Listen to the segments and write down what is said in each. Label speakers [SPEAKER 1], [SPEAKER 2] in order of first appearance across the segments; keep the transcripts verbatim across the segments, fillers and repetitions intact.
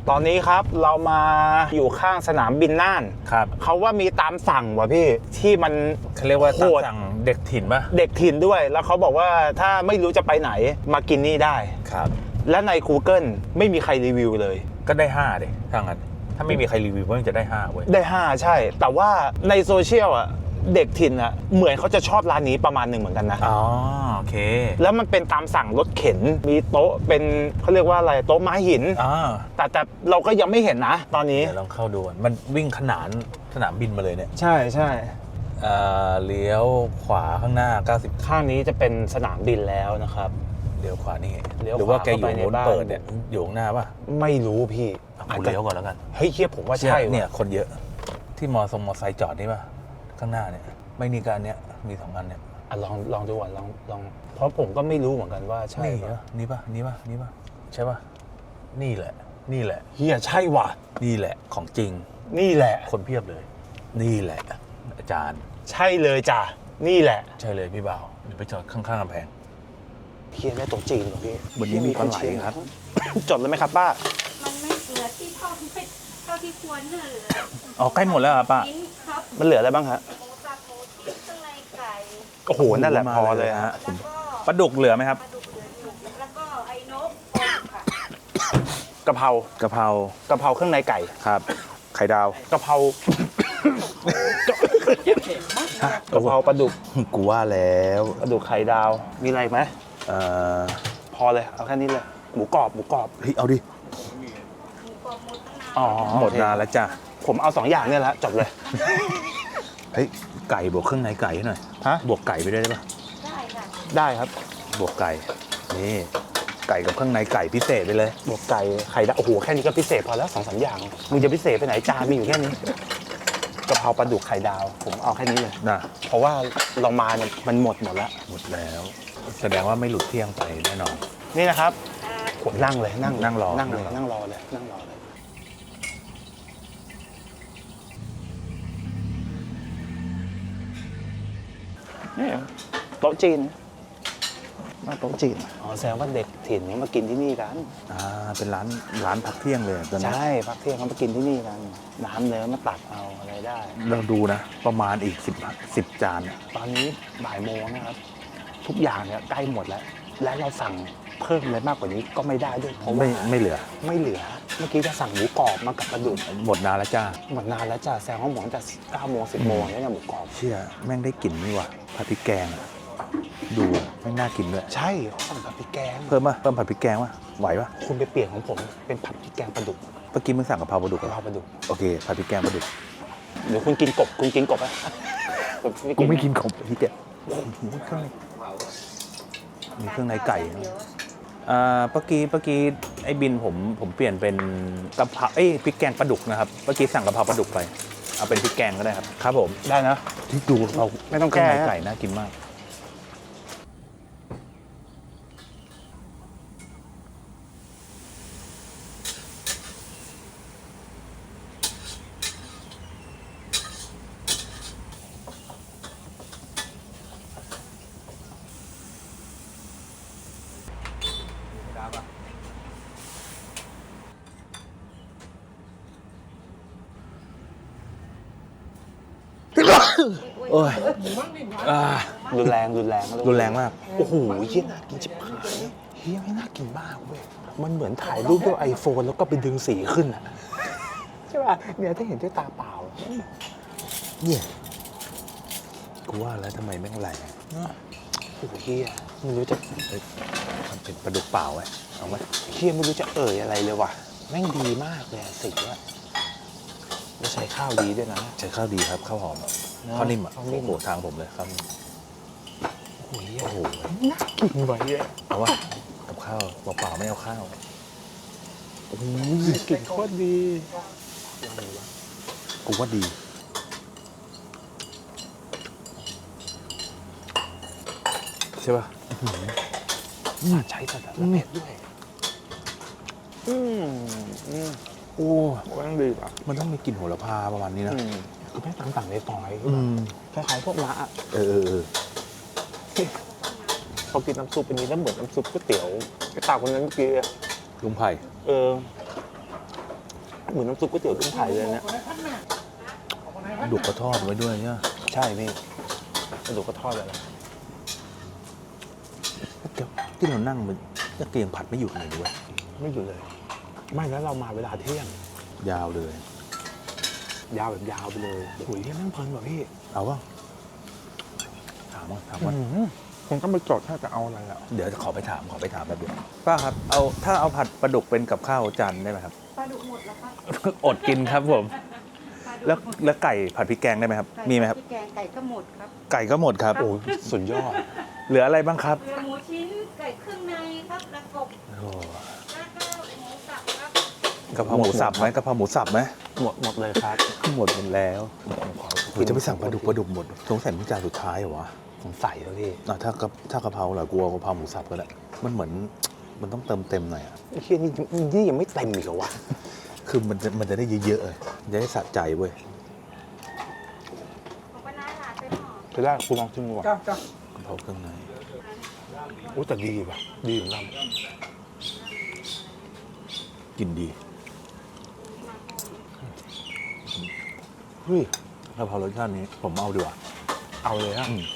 [SPEAKER 1] ตอนนี้ครับเรามาอยู่ข้างสนามบินน่าน
[SPEAKER 2] ครับ
[SPEAKER 1] เขาว่ามีตามสั่งว่ะพี่ที่มัน
[SPEAKER 2] เขาเรียกว่าตามสั่งเด็กถิ่นป่ะ
[SPEAKER 1] เด็กถิ่นด้วยแล้วเขาบอกว่าถ้าไม่รู้จะไปไหนมากินนี่ได้
[SPEAKER 2] ครับ
[SPEAKER 1] และใน Google ไม่มีใครรีวิวเลย
[SPEAKER 2] ก็ได้ห้าดิถ้างั้นถ้าไม่มีใครรีวิวมันจะได้ห้าเว้ย
[SPEAKER 1] ได้ห้าใช่แต่ว่าในโซเชียลอ่ะเด็กถิ่นอ่ะเหมือนเขาจะชอบร้านนี้ประมาณหนึ่งเหมือนกันนะ
[SPEAKER 2] อ๋อโอเค
[SPEAKER 1] แล้วมันเป็นตามสั่งรถเข็นมีโต๊ะเป็นเขาเรียกว่าอะไรโต๊ะไม้หิน
[SPEAKER 2] อ่า
[SPEAKER 1] แต่แต่เราก็ยังไม่เห็นนะตอนนี้
[SPEAKER 2] เดี๋ยวลองเข้าดูมันวิ่งขนานสนามบินมาเลยเนี่ย
[SPEAKER 1] ใช่ใช่
[SPEAKER 2] เอ่อเลี้ยวขวาข้างหน้าเก้าสิบ
[SPEAKER 1] ข้างนี้จะเป็นสนามบินแล้วนะครับ
[SPEAKER 2] เลี้ยวขวานี่
[SPEAKER 1] หรือ
[SPEAKER 2] ว่าแกอยู่โน้นเปิดเนี่ยอยู่ข้างหน้าป่ะ
[SPEAKER 1] ไม่รู้พี่
[SPEAKER 2] กูเลี้ยวก่อนแล้วกัน
[SPEAKER 1] เฮ้ยเฮียผมว่าใช่
[SPEAKER 2] เนี่ยคนเยอะที่มอทรงมอไซค์จอดนี่ป่ะข้างหน้าเนี่ยไม่มีการเนี้ยมีสองอันเนี่ย
[SPEAKER 1] อ่ะลองลองดูก่อนลองลองเพราะผมก็ไม่รู้เหมือนกันว่าใช่
[SPEAKER 2] ป่ะนี่ป่ะนี่ป่ะนี่ป่ะใช่ป่ะนี่แหละนี่แหละ
[SPEAKER 1] เฮียใช่ว่ะ
[SPEAKER 2] นี่แหละของจริง
[SPEAKER 1] นี่แหละ
[SPEAKER 2] คนเพียบเลยนี่แหละอาจารย์
[SPEAKER 1] ใช่เลยจ้ะนี่แหละ
[SPEAKER 2] ใช่เลยพี่บ่าวเดี๋ยวไปจอดข้างๆกำแพง
[SPEAKER 1] เฮียได้ตัวจริงเหรอพี่
[SPEAKER 2] วันนี้มีปลาไหลครับ
[SPEAKER 1] จดเลยไหมครับป้า
[SPEAKER 3] มันไม่เหลือที่เท่าที่เท่าที่ควรเหลือ
[SPEAKER 2] อ๋อใกล้หมดแล้วป้า
[SPEAKER 1] มันเหลืออะไรบ้างฮะ
[SPEAKER 3] หมูสับหมูชิ้นข้างในไก่
[SPEAKER 1] โอ้โหนั่นแหละพอเลยฮะ
[SPEAKER 2] ปลาดุกเหลือไหมครับ
[SPEAKER 3] ปลาดุกเหลืออยู่แล้วก็ไอ้นกค่ะ
[SPEAKER 1] กะเพราก
[SPEAKER 2] ะเพราก
[SPEAKER 1] ะเพราเครื่องในไก่
[SPEAKER 2] ครับไข่ดาว
[SPEAKER 1] กะเพรากะเพราปลาดุก
[SPEAKER 2] กูว่าแล้ว
[SPEAKER 1] ปลาดุกไข่ดาวมีอะไรไหม
[SPEAKER 2] เอ่อ
[SPEAKER 1] พอเลยเอาแค่นี้เลยหมูกรอบหมูกรอบ
[SPEAKER 2] เฮ้ยเอาดิ
[SPEAKER 3] หมูกรอบหมดนาน
[SPEAKER 1] อ๋อ
[SPEAKER 2] หมดนานแล้วจ้ะ
[SPEAKER 1] ผมเอาสองอย่างเนี่ยแหละจบเลย
[SPEAKER 2] เฮ้ยไก่บวกเครื่องในไก่หน่อย
[SPEAKER 1] ฮะ
[SPEAKER 2] บวกไก่ไปด้วยได้ปะ
[SPEAKER 3] ได้ค่ะ
[SPEAKER 1] ได้ครับ
[SPEAKER 2] บวกไก่นี่ไก่กับเครื่องในไก่พิเศษไปเลย
[SPEAKER 1] บวกไก่ไข่ดาวโอ้โหแค่นี้ก็พิเศษพอแล้วสองสามอย่างมึงจะพิเศษไปไหนจานมีอยู่แค่นี้กะเพราปลาดุกไข่ดาวผมเอาแค่นี้เลย
[SPEAKER 2] นะ
[SPEAKER 1] เพราะว่าเรามาเนี่ยมันหมดหมดแล้ว
[SPEAKER 2] หมดแล้วแสดงว่าไม่หลุดเที่ยงไปแน่นอน
[SPEAKER 1] นี่นะครับผมนั่งเลยนั่ง
[SPEAKER 2] นั่งรอ
[SPEAKER 1] นั่งเลยนั่งรอเลยนั่งรอเลยนี่โต๊ะจีนมาโต๊ะจีนอ๋อแสดงว่าเด็กถิ่นนี้มากินที่นี่กัน
[SPEAKER 2] อ่าเป็นร้านร้านพักเที่ยงเลยตอนนี้
[SPEAKER 1] ใช่พักเที่ยงเขามากินที่นี่กันน้ำเนื้อมาตักเอาอะไรได้
[SPEAKER 2] เราดูนะประมาณอีกสิบสิบจาน
[SPEAKER 1] ตอนนี้บ่ายโมงนะครับทุกอย่างเนี่ยใกล้หมดแล้วและเราสั่งเพิ่มอะไรมากกว่านี้ก็ไม่ได้ด้วยเพราะ
[SPEAKER 2] ไม่ไม่เหลือ
[SPEAKER 1] ไม่เหลือเมื่อกี้จะสั่งหมูกรอบมากับปลาดุก
[SPEAKER 2] หมดนานแล้วจ้า
[SPEAKER 1] หมดนานแล้วจ้าแซงห้องหมอนแต่เก้าโมงสิบโมงแล้วเนี่ยหมูกรอบ
[SPEAKER 2] เชี่ยแม่งได้กลิ่นนี่ว่ะผัดพริกแกงดูแม่งน่ากินด้วย
[SPEAKER 1] ใช่สั่งผัดพริกแกง
[SPEAKER 2] เพิ่มป่ะเพิ่มผัดพริกแกงป่ะไหวป่ะ
[SPEAKER 1] คุณไปเปลี่ยนของผมเป็นผัดพริกแกงปลาดุก
[SPEAKER 2] เมื่อกี้มึงสั่งกะเพราปลาดุก
[SPEAKER 1] กะเพราปลาดุก
[SPEAKER 2] โอเคผัดพริกแกงปลาดุก
[SPEAKER 1] เดี๋ยวคุณกินกบคุณกินกบไหม
[SPEAKER 2] กูไม่กินกบพี่แกโอ้โหเครื่องในมีเครื่องในไก่อ่าเมื่อกี้เมื่อกี้ไอ้บินผมผมเปลี่ยนเป็นกะเพราเอ้ยพริกแกงปลาดุกนะครับเมื่อกี้สั่งกะเพราปลาดุกไปเอาเป็นพริกแกงก็ได้ครับครับผม
[SPEAKER 1] ได้นะ
[SPEAKER 2] ที่ดูเรา
[SPEAKER 1] ไม่ต้องแก้
[SPEAKER 2] ไก่น่ากินมากโอ้ย
[SPEAKER 1] รุนแรงรุนแรง
[SPEAKER 2] รุนแรงมาก
[SPEAKER 1] โอ้โหเฮียน่ากินจิบหายเฮียไม่น่ากินมากเว้ยมันเหมือนถ่ายรูปด้วยไอโฟนแล้วก็ไปดึงสีขึ้นอ่ะใช่ป่ะเนี่ยถ้าเห็นด้วยตาเปล่า
[SPEAKER 2] เนี่ยกูว่าแล้วทำไมแม่งแรง
[SPEAKER 1] โอ้โหเฮียไม่รู้จะ
[SPEAKER 2] มันเป็นปลาดุกเปล่าไว้เอาไหม
[SPEAKER 1] เฮียไม่รู้จะเอ่ยอะไรเลยว่ะแม่งดีมากเลยสีอ่ะแล้วใช้ข้าวดีด้วยนะ
[SPEAKER 2] ใช้ข้าวดีครับข้าวหอมข้าวนิ่มอ่ะโอ้โหทางผมเลยครับ
[SPEAKER 1] โอ้โหน่ากินไว้เลย
[SPEAKER 2] เอาวะกับข้าวเปล่าๆไม่เอาข้าว
[SPEAKER 1] โอ้ยกลิ่นโคตรดี
[SPEAKER 2] กูว่าดีใช่ป่ะ
[SPEAKER 1] ใช้แต่ละเม็ดด้วยอืมอืมโอ้มันดีป่ะ
[SPEAKER 2] มันต้องมีกลิ่นโหระพาประมาณนี้นะ
[SPEAKER 1] คือแม่ตามสั่งในซอยคล้ายๆพวกมะ
[SPEAKER 2] เออ
[SPEAKER 1] พอกินน้ำซุปอันนี้แล้วเหมือนน้ำซุปก๋วยเตี๋ยวไอ้ตาคนนั้นเมื่อกี้
[SPEAKER 2] ลุงไผ่
[SPEAKER 1] เออเหมือนน้ำซุปก๋วยเตี๋ยวกุ้งไผ่เลยเนี่ย
[SPEAKER 2] ดุกก็ทอดไว้ด้วยเนี่ย
[SPEAKER 1] ใช่พี่กระดูกก็ทอดเลยนะ
[SPEAKER 2] ที่เรานั่งมันก็เตียงผัดไม่หยุดเลยด้วย
[SPEAKER 1] ไม่หยุดเลย ไม่แล้วเรามาเวลาเที่ยง
[SPEAKER 2] ยาวเลย
[SPEAKER 1] ยาวแบบยาวไปเลยโอ้ยแม่งเพลินว่ะพี่
[SPEAKER 2] เอาว่าถามว่าถามว่า
[SPEAKER 1] คงต้องไปจดถ้าจะเอาอะไรอ่ะ
[SPEAKER 2] เดี๋ยวจะขอไปถามขอไปถามแบบเดียวป้าครับเอาถ้าเอาผัดปลาดุกเป็นกับข้าวจานได้ไหมครับ
[SPEAKER 3] ปลาดุกหมดแล้วครับ
[SPEAKER 2] อดกินครับผม
[SPEAKER 3] ปลาดุก
[SPEAKER 2] แล้วแล้วไก่ผัดพริกแกงได้ไหมครับ
[SPEAKER 3] ไก่
[SPEAKER 2] มีไหมครับ
[SPEAKER 3] พี่แกงไก่ก็หมดครับ
[SPEAKER 2] ไก่ก็หมดครับ
[SPEAKER 1] โอ้ยสุดยอด
[SPEAKER 2] เหลืออะไรบ้างครับ
[SPEAKER 3] เรือหมูชิ้นไก่เครื่องในครับและกบ
[SPEAKER 2] โอ้
[SPEAKER 3] แล้วก็หมูสับครับ
[SPEAKER 2] กะเพราหมูสับไหมกะเพราหมูสับไหม
[SPEAKER 1] หมดหมดเลยครับ
[SPEAKER 2] หมดหมดแล้วหรือจะไปสั่งปลาดุกปลาดุกหมดสงสัยมันจานสุดท้ายเหรอวะ
[SPEAKER 1] สงสัยแล้วพี่
[SPEAKER 2] อ่ะถ้ากะถ้ากะเพราเหรอกลัวกะเพราหมูสับก็ได้มันเหมือนมันต้องเติมเต็มหน่อยอะ
[SPEAKER 1] ไอ้เฮียนี่นี่ยังไม่เต็มอีกเหรอวะ
[SPEAKER 2] คือมันจะมันจะได้เยอะๆเลยจะได้สะใจเว้ย
[SPEAKER 3] ของปลาร้าหลาดไปหน่อ
[SPEAKER 1] จะได้คุณลองชิมดูก่อน
[SPEAKER 2] กะเพราเครื่องใน
[SPEAKER 1] โอ้แต่ดีว่ะดีเหมือนกัน
[SPEAKER 2] กินดี
[SPEAKER 1] เฮ้ย
[SPEAKER 2] กะเพรารสชาตินี้ผมเอาดีกว่า
[SPEAKER 1] เอาเลยฮะ
[SPEAKER 2] อืม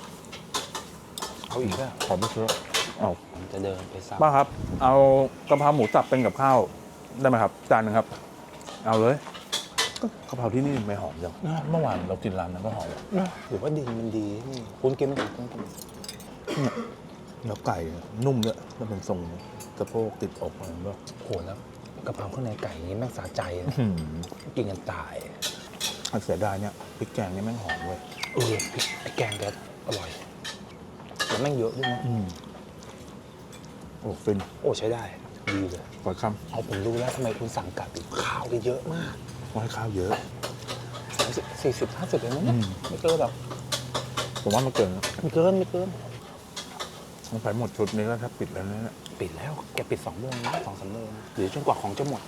[SPEAKER 1] เอาอีกแล้ว
[SPEAKER 2] ขอไม่ซื้อเอา
[SPEAKER 1] ผมจะเดินไปสั่ง
[SPEAKER 2] ป้าครับ เอากะเพราหมูสับเป็นกับข้าวได้ไหมครับจานหนึงครับ เอาเลยก็กะเพราที่นี่ไม่หอมจังเมื่อวานเรากินร้านนั้นก็หอม
[SPEAKER 1] หรือว่าดินมันดีนี่คุณกินไหมคุณกิน
[SPEAKER 2] เนี่ยแล้วไก่นุ่มด้วยมันเป็นทรงสะโพกติดอกอะไรก็
[SPEAKER 1] โหแล้วกะเพราข้างในไก่นี้แม่งสาใจนะกินกันตาย
[SPEAKER 2] เสียดายเนี่ยพริกแกงนี่แม่งหอมเว้ย
[SPEAKER 1] เออพริกไอ้แกงแกอร่อยแล้วแม่งเยอะด้วยนะ
[SPEAKER 2] อืมโอ้ฟิน
[SPEAKER 1] โอ้ใช้ได้ดีเลย
[SPEAKER 2] ปล่อยค
[SPEAKER 1] เอาผมรู้แล้วทำไมคุณสั่งกลับอีกข้าวได้เยอะมาก
[SPEAKER 2] ำว่าให้ข้าวเยอะ
[SPEAKER 1] สามสิบสี่สิบห้าสิบเลยนะเนี่ย
[SPEAKER 2] อืม
[SPEAKER 1] ไม่เกินหรอก
[SPEAKER 2] ผมว่ามันเกินนะ
[SPEAKER 1] ไม่เกินไม่เกิน
[SPEAKER 2] มันไปหมดชุดนี้ก็แทบปิดแล้วนะเนี่ย
[SPEAKER 1] ปิดแล้วแกปิดสองโมงนะสองสามโมงหรือจนกว่าของจะหมด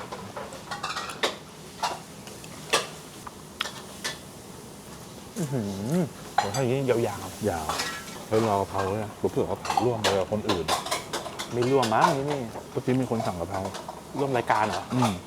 [SPEAKER 1] อือหือผมให้อยางนี้ยาว
[SPEAKER 2] ยาวแล้วรอกะเพราเลยนะเผื่อเขาผัดร่วมไปกับคนอื่น
[SPEAKER 1] ๆไม่ร่วมมั้งนี่นี่
[SPEAKER 2] เมื่อกี้มีคนสั่งกะเพรา
[SPEAKER 1] ร่วมรายการเหรอ
[SPEAKER 2] อืม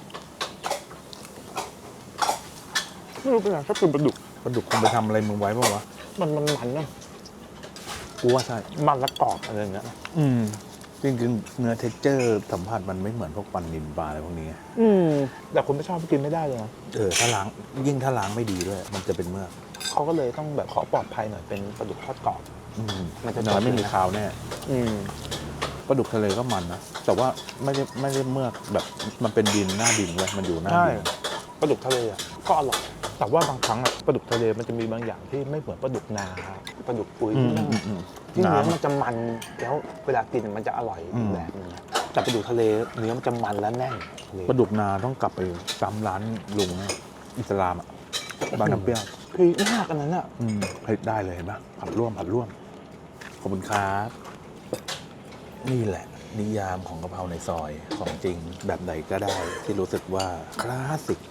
[SPEAKER 1] ไม่รู้เป็นไรชอบกินปลาดุก
[SPEAKER 2] ปลาดุกคุณไปทำอะไรมึงไว้ป่าวะ
[SPEAKER 1] มันมันมันนะ
[SPEAKER 2] กูว่าใช่
[SPEAKER 1] มันและกรอบอะไรอย่างเงี้ย
[SPEAKER 2] อืมจริงๆเนื้อเท็กเจอร์สัมผัสมันไม่เหมือนพวกปันนินปลาอะไรพวกนี้
[SPEAKER 1] อืมแต่คนไม่ชอบกินไม่ได้เลยนะ
[SPEAKER 2] เออถ้าล้างยิ่งถ้าล้างไม่ดีด้วย มันจะเป็นเมือก
[SPEAKER 1] เขาก็เลยต้องแบบขอปลอดภัยหน่อยเป็นปลาดุกทอดกรอบ
[SPEAKER 2] อืม
[SPEAKER 1] มันจะ
[SPEAKER 2] น้อยไม่
[SPEAKER 1] จบเลยนะ
[SPEAKER 2] มีคาวแน่
[SPEAKER 1] อืม
[SPEAKER 2] ปลาดุกทะเลก็มันนะแต่ว่าไม่ได้ไม่ได้เมือกแบบมันเป็นดินหน้าดินเลยมันอยู่หน้า
[SPEAKER 1] ใช่
[SPEAKER 2] ดิน
[SPEAKER 1] ปลาดุกทะเลอ่ะก็อร่อยแต่ว่าบางครั้งอ่ะปลาดุกทะเลมันจะมีบางอย่างที่ไม่เหมือนปลาดุกนาปลาดุกปุย
[SPEAKER 2] อื
[SPEAKER 1] ที่
[SPEAKER 2] ม
[SPEAKER 1] นั่ง
[SPEAKER 2] อืมอืม
[SPEAKER 1] ที่เนื้อ
[SPEAKER 2] น้ำ
[SPEAKER 1] มันจะมันแล้วเวลากินมันจะอร่อย
[SPEAKER 2] อื
[SPEAKER 1] อี
[SPEAKER 2] ม
[SPEAKER 1] กแบบนึงนะแต่ปลาดุกทะเลเนื้อมันจะมันและแน่น
[SPEAKER 2] ปลาดุกนาต้องกลับไปซ้ำร้านลุงนะอิสลามอ่ะบางน้ำเปรี้ยว
[SPEAKER 1] คือมากอันนั้นอ่ะ
[SPEAKER 2] อืมเฮ้ยได้เลยเห็นปะผัดร่วมผัดร่วมขอบคุณครับนี่แหละ นิยามของกะเพราในซอยของจริงแบบไหนก็ได้ที่รู้สึกว่าคลาสสิก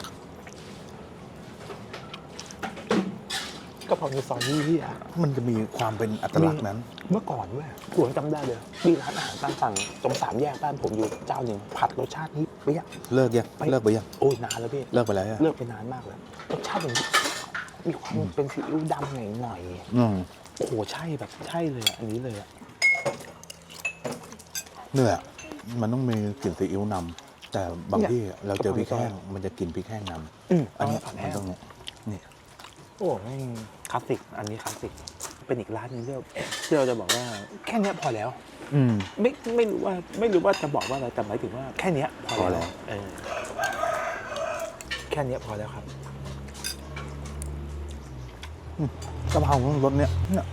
[SPEAKER 1] ก็พอมีซอยที่ที่อ่ะ
[SPEAKER 2] มันจะมีความเป็นอัตลักษณ์นั้น
[SPEAKER 1] เมื่อก่อนด้วยผมจำได้เลยมีร้านอาหารตามสั่งตรงสามแยกบ้านผมอยู่เจ้าหนึ่งผัดรสชาตินี้เปรี้ย
[SPEAKER 2] เลิกยัง
[SPEAKER 1] ไป
[SPEAKER 2] เลิกไปยัง
[SPEAKER 1] โอ้ยนานแล้วพี่
[SPEAKER 2] เลิกไปแล้วอะ
[SPEAKER 1] เลิกไปนานมากเลยรสชาติมันมีความเป็นซีอิ๊วดำหน่อยหน่อย
[SPEAKER 2] อืม
[SPEAKER 1] ๆโอ้โหใช่แบบใช่เลยอะอันนี้เลยอะ
[SPEAKER 2] เนื้อมันต้องมีกลิ่นซีอิ๊วนำแต่บางที่เราเจอพริกแห้งมันจะกินพริกแห้งน
[SPEAKER 1] อืม
[SPEAKER 2] ำ
[SPEAKER 1] อั
[SPEAKER 2] อั
[SPEAKER 1] น
[SPEAKER 2] น
[SPEAKER 1] นี้
[SPEAKER 2] นี้
[SPEAKER 1] ผัด
[SPEAKER 2] มั
[SPEAKER 1] แห้
[SPEAKER 2] น
[SPEAKER 1] ง
[SPEAKER 2] ต้องนี่
[SPEAKER 1] โอ้แม่งคลาสสิกอันนี้คลาสสิกเป็นอีกร้านหนึงที่เราที่เราจะบอกว่าแค่เนี้ยพอแล้ว
[SPEAKER 2] อืม
[SPEAKER 1] ไม่ไม่รู้ว่าไม่รู้ว่าจะบอกว่าอะไรแต่หมายถึงว่าแค่เนี้ยพอ
[SPEAKER 2] พอแล้
[SPEAKER 1] แล้ว วเออแค่เนี้ยพอแล้วครับ
[SPEAKER 2] กะเพรารสเนี้ยเนี่ย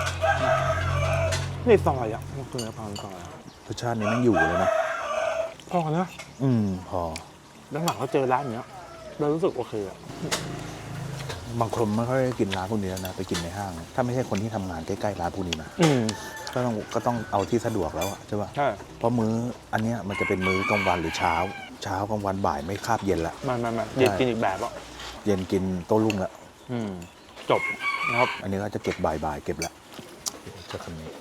[SPEAKER 1] นี่ซอยอ่ะมันคือกะเพราซอยอะ
[SPEAKER 2] รสชาตินี้มันอยู่เลยนะ
[SPEAKER 1] พอนะ
[SPEAKER 2] อืม พอ
[SPEAKER 1] แล้วหลังเราเจอร้านเนี้ยเรารู้สึกโอเคอ่ะ
[SPEAKER 2] บางคนไม่ค่อยได้กินร้านพวกนี้แล้วนะไปกินในห้าง ถ้าไม่ใช่คนที่ทำงานใกล้ๆร้านพวกนี้นะ
[SPEAKER 1] อืม
[SPEAKER 2] ก็ต้องก็ต้องเอาที่สะดวกแล้วอะใช่ป่ะ
[SPEAKER 1] ใช่
[SPEAKER 2] เพราะมื้ออันเนี้ยมันจะเป็นมื้อกลางวันหรือเช้า เช้ากลางวันบ่ายไม่คาบเย็นละ
[SPEAKER 1] มามามาเย็นกินอีกแบบอ่ะ
[SPEAKER 2] เย็นกินโต้รุ่งละ
[SPEAKER 1] อืมจบนะครับ
[SPEAKER 2] อันนี้ก็จะเก็บบ่ายๆเก็บละจะคำนี้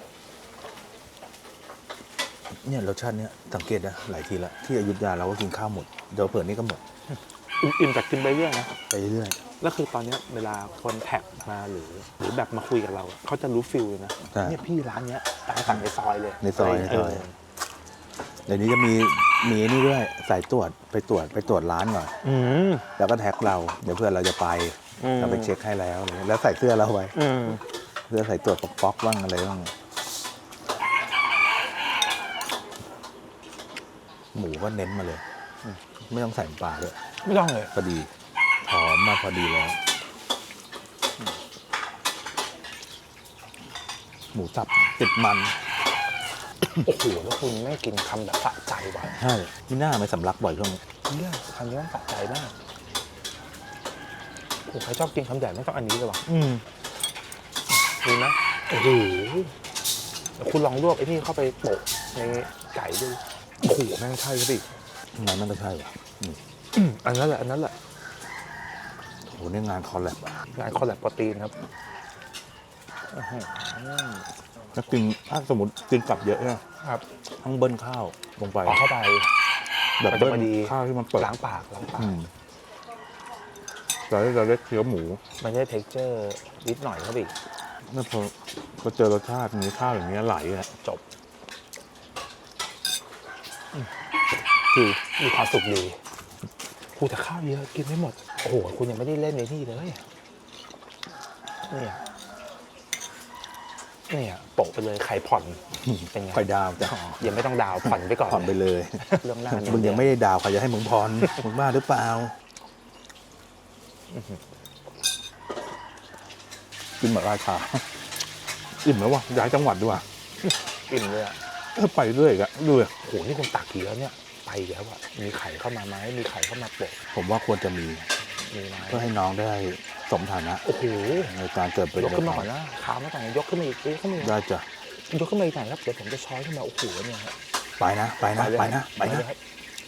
[SPEAKER 2] เนี่ยรสชาติเนี้ยสังเกตนะหลายทีละที่อยุธยาเราก็กินข้าวหมดเดี๋ยวเผื่อนี้ก็หมด
[SPEAKER 1] อิ่มๆจากกินไปเรื่อยนะ
[SPEAKER 2] ไปเรื่อย
[SPEAKER 1] แล้วคือตอนเนี้ยเวลาคนแท็กมาหรือ หรือแบบมาคุยกับเราอะเขาจะรู้ฟิลเลยนะ
[SPEAKER 2] ใช่
[SPEAKER 1] เนี่ยพี่ร้านเนี้ยตามสั่งในซอยเลย
[SPEAKER 2] ในซอยในซอย เดี๋ยวนี้จะมีมีนี่ด้วยสายตรวจไปตรวจไปตรวจร้านก่อน
[SPEAKER 1] อืม
[SPEAKER 2] แล้วก็แท็กเราเดี๋ยวเพื่อนเราจะไป
[SPEAKER 1] อืม
[SPEAKER 2] เราไปเช็คให้แล้วอะไรเงี้ยแล้วใส่เสื้อเราไว้
[SPEAKER 1] อืม
[SPEAKER 2] เสื้อใส่ตรวจป๊อกๆบ้างอะไรบ้างหมูก็เน้นมาเลยอืมไม่ต้องใส่น้ำปลาด้วย
[SPEAKER 1] ไม่ต้องเลย
[SPEAKER 2] พอดีหอมมาพอดีแล้ว หมูสับติดมัน
[SPEAKER 1] โอ้โหแล้วคุณไม่กินคำแบบสะใจว่ะ
[SPEAKER 2] ใช่ที่หน้าไม่สำลักบ่อยช่วงนี้
[SPEAKER 1] เนี่ยคำนี้ต้องสะใจมากโอ้โหใครชอบกินคำใหญ่ไม่ต้องอันนี้เลยว่ะ
[SPEAKER 2] อืม
[SPEAKER 1] ดีไหมโอ้โหเดี๋ยวคุณลองลวกไอ้นี่เข้าไปโปะในไก่ดูโอ้โหแม่งใช่ครับพี่
[SPEAKER 2] งานนั่นก็ใช่ว่ะอืม
[SPEAKER 1] อืมอันนั้นแหละอันนั้นแหละ
[SPEAKER 2] โหนี่งานคอลแลบอ่ะ
[SPEAKER 1] งานคอลแลบโปรตีนครับ
[SPEAKER 2] ถ้ากินถ้าสมมติกินกลับเยอะเนี่ย
[SPEAKER 1] ครับ
[SPEAKER 2] ต้องเบิ้ลข้าวลงไป
[SPEAKER 1] เอาเข้าไป
[SPEAKER 2] แบบ
[SPEAKER 1] มันจะ
[SPEAKER 2] เบิ้ล
[SPEAKER 1] พอดี
[SPEAKER 2] ข้าวที่มันเปิด
[SPEAKER 1] ล้างปากล้างปาก
[SPEAKER 2] อืมเราได้เราได้เคี้ยวหมู
[SPEAKER 1] มันได้เท็กเจอร์นิดหน่อยครับพี่
[SPEAKER 2] แล้วพอพอเจอรสชาติมีข้าวอย่างเงี้ยไหลอ่ะ
[SPEAKER 1] จบอืมคือมีความสุขดีคูแต่ข้าวเยอะกินไม่หมด โอ้โห คุณยังไม่ได้เล่นในนี่เลย เนี่ย เนี่ยโปะไปเลยไข่ผ่อน เป็นไง
[SPEAKER 2] ไข่ดาวจ้ะ
[SPEAKER 1] ยังไม่ต้องดาวผ่อนไปก่อน
[SPEAKER 2] ผ่อนไปเลย
[SPEAKER 1] เรื่องหน้า
[SPEAKER 2] มึงยังไม่ได้ดาวใครจะให้มึงพร มึงบ้าหรือเปล่ากินเหมือนราชาอิ่มแล้ววะย้ายจังหวัดดีกว่า
[SPEAKER 1] อิ่มเลยอ่ะ
[SPEAKER 2] เออไปเรื่อยอีกอะดูดิ
[SPEAKER 1] โห นี่คุณตักกี่แล้วเนี่ย ไปอีกแล้วอ่ะ มีไข่เข้ามาไหมมีไข่เข้ามาโปะ
[SPEAKER 2] ผมว่าควรจะมี
[SPEAKER 1] มีไหม
[SPEAKER 2] เพื่อให้น้องได้สมฐานะ
[SPEAKER 1] โอ้โห
[SPEAKER 2] ในการเกิดเป็น
[SPEAKER 1] ยกขึ้นมาก่อนนะขามาก่อนยกขึ้นมาอีกยกขึ้นมาอีก
[SPEAKER 2] ได้จ้ะ
[SPEAKER 1] ยกขึ้นมาอีกหน่อยครับ เดี๋ยวผมจะช้อนขึ้นมา โอ้โห เนี่ยฮะ
[SPEAKER 2] ไปนะ ไปนะ
[SPEAKER 1] เลย
[SPEAKER 2] ไปนะ ไปนะ
[SPEAKER 1] เลยครับ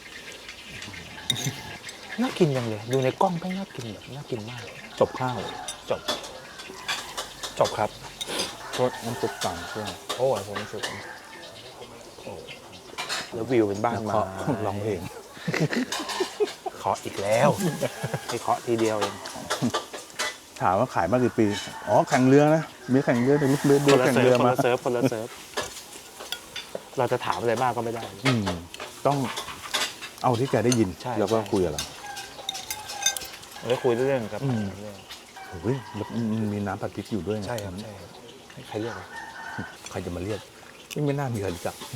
[SPEAKER 1] น่ากินยังเลย ดูในกล้องก็น่ากินแบบน่ากินมาก
[SPEAKER 2] จบข้าว
[SPEAKER 1] จบ จบครับ
[SPEAKER 2] โทษน้ำซุปต่างเครื่อง
[SPEAKER 1] โอ้ยผมรู้สึกโอ้แล้ววิวเป็นบ้าน
[SPEAKER 2] แล้ว
[SPEAKER 1] มา
[SPEAKER 2] ก็ร้องเพลง
[SPEAKER 1] เคาะอีกแล้วไม่เคาะทีเดียวเอง
[SPEAKER 2] ถามว่าขายมากี่ปี อ๋อ แข่งเรือนะ มีแข่งเรือแต่ลูกเรือ
[SPEAKER 1] ค
[SPEAKER 2] ดู
[SPEAKER 1] นละ
[SPEAKER 2] แข่ง
[SPEAKER 1] เซิ
[SPEAKER 2] เรื
[SPEAKER 1] ร์
[SPEAKER 2] อ
[SPEAKER 1] ฟคน
[SPEAKER 2] มา
[SPEAKER 1] ละเซิร์ฟคนละเซิร์ฟเราจะถามอะไรมากก็ไม่ได้
[SPEAKER 2] อืม ต้องเอาที่แกได้ยิน
[SPEAKER 1] ใช่
[SPEAKER 2] แล้วก็
[SPEAKER 1] ใช่
[SPEAKER 2] คุยกับเรา
[SPEAKER 1] แล้วคุยเรื่องครับ
[SPEAKER 2] อืม
[SPEAKER 1] เรื่อง
[SPEAKER 2] โอ้ยแล้วมันมีน้ำผัดพริกอยู่ด้วยนะ
[SPEAKER 1] ใช่ครับใช่ครับให้ใครเรียกวะ
[SPEAKER 2] ใครจะมาเรียกไม่น่ามีใครรู้จัก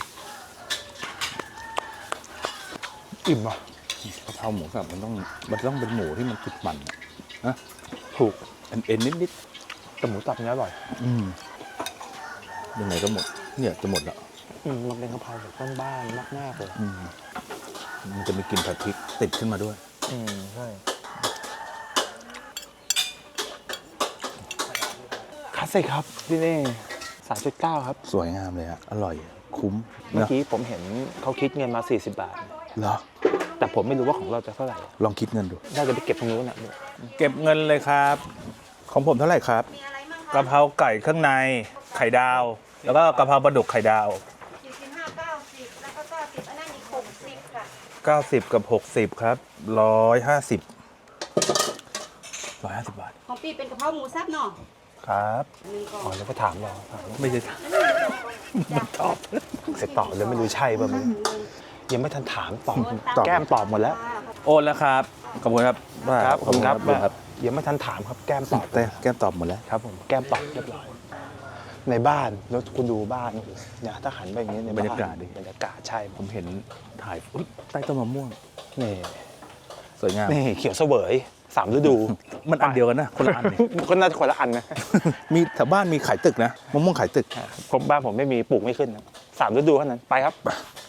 [SPEAKER 1] อิ่มอ่ะ
[SPEAKER 2] กะเพราหมูสับมันต้องมันต้องเป็นหมูที่มันติดมันอะนะ
[SPEAKER 1] ถูก
[SPEAKER 2] เอ็นเอ็นนิดนิด
[SPEAKER 1] แต่หมูตับเนี้ยอร่อย
[SPEAKER 2] ๆอืมยังไงก็หมด เนี่ยจะหมดแล้ว
[SPEAKER 1] อืมมันเป็นกะเพราแบบบ้านๆมากๆเลย
[SPEAKER 2] อืมมันจะมีกลิ่นผัดพริกติดขึ้นมาด้วย
[SPEAKER 1] อืมใช่คลาสสิกครับพี่เน่สามจุดเก้าครับ
[SPEAKER 2] สวยงามเลยอะอร่อย คุ้ม
[SPEAKER 1] เมื่อ
[SPEAKER 2] นะ
[SPEAKER 1] กี้ผมเห็นเขาคิดเงินมาสี่สิบบาท
[SPEAKER 2] เหรอ
[SPEAKER 1] แต่ผมไม่รู้ว่าของเราจะเท่าไหร่
[SPEAKER 2] ลองคิดเงินดู
[SPEAKER 1] น่าจะไปเก็บตรงนู้นอ่ะ
[SPEAKER 2] เก็บเงินเลยครับ ของผมเท่าไหร่ครับ
[SPEAKER 3] มีอะไรบ้างคะ
[SPEAKER 2] กะเพราไก่เครื่องในไข่ดาว แล้วก็กะเพราปลาดุกไข่ดาว
[SPEAKER 3] สี่สิบห้าเก้าสิบแล้วก็เก้าสิบอันนั้นอีกหกสิบค่ะ
[SPEAKER 2] เก้าสิบกับหกสิบครับหนึ่งร้อยห้าสิบ หนึ่งร้อยห้าสิบบาท
[SPEAKER 3] ของปีเป็นกะเพราหมูสับเนาะ
[SPEAKER 1] ครับ
[SPEAKER 3] มีก่อ
[SPEAKER 1] อ๋อน แล้วก็ถามเราถาม
[SPEAKER 2] ไม่ใช่
[SPEAKER 3] มันตอบ
[SPEAKER 1] เสร็จตอบแล้วไม่รู้ใช่ป่ะมึงยังไม่ทันถามตอบ
[SPEAKER 2] ตอบ
[SPEAKER 1] แก้มตอบหมดแล้ว
[SPEAKER 2] โอนแล้วครับ ขอบคุณครับ
[SPEAKER 1] ครับผมครับ
[SPEAKER 2] ขอณครับ
[SPEAKER 1] ยังไม่ทันถามครับแก้มตอบ
[SPEAKER 2] แต่แก้มตอบหมดแล้ว
[SPEAKER 1] ครับผมแก้มตอบเรียบร้อยในบ้านแล้วคุณดูบ้านเนี่ยถ้าหันไปอย่างนี้ใน
[SPEAKER 2] บรรยากาศดิ
[SPEAKER 1] บรรยากาศใช่
[SPEAKER 2] ผมเห็นถ่ายอุ๊ยใต้ต้นมะม่วง
[SPEAKER 1] นี่
[SPEAKER 2] สวยงาม
[SPEAKER 1] นี่เขียวเสวยสามฤดู
[SPEAKER 2] มันอันเดียวกันนะ คนละอันนี่
[SPEAKER 1] คนน่าจะคนละอันนะ
[SPEAKER 2] มีแถวบ้านมีขายตึกนะมะม่วงขายตึก
[SPEAKER 1] ผมบ้านผมไม่มีปลูกไม่ขึ้นนะสามฤดูเท่านั้นไปครับ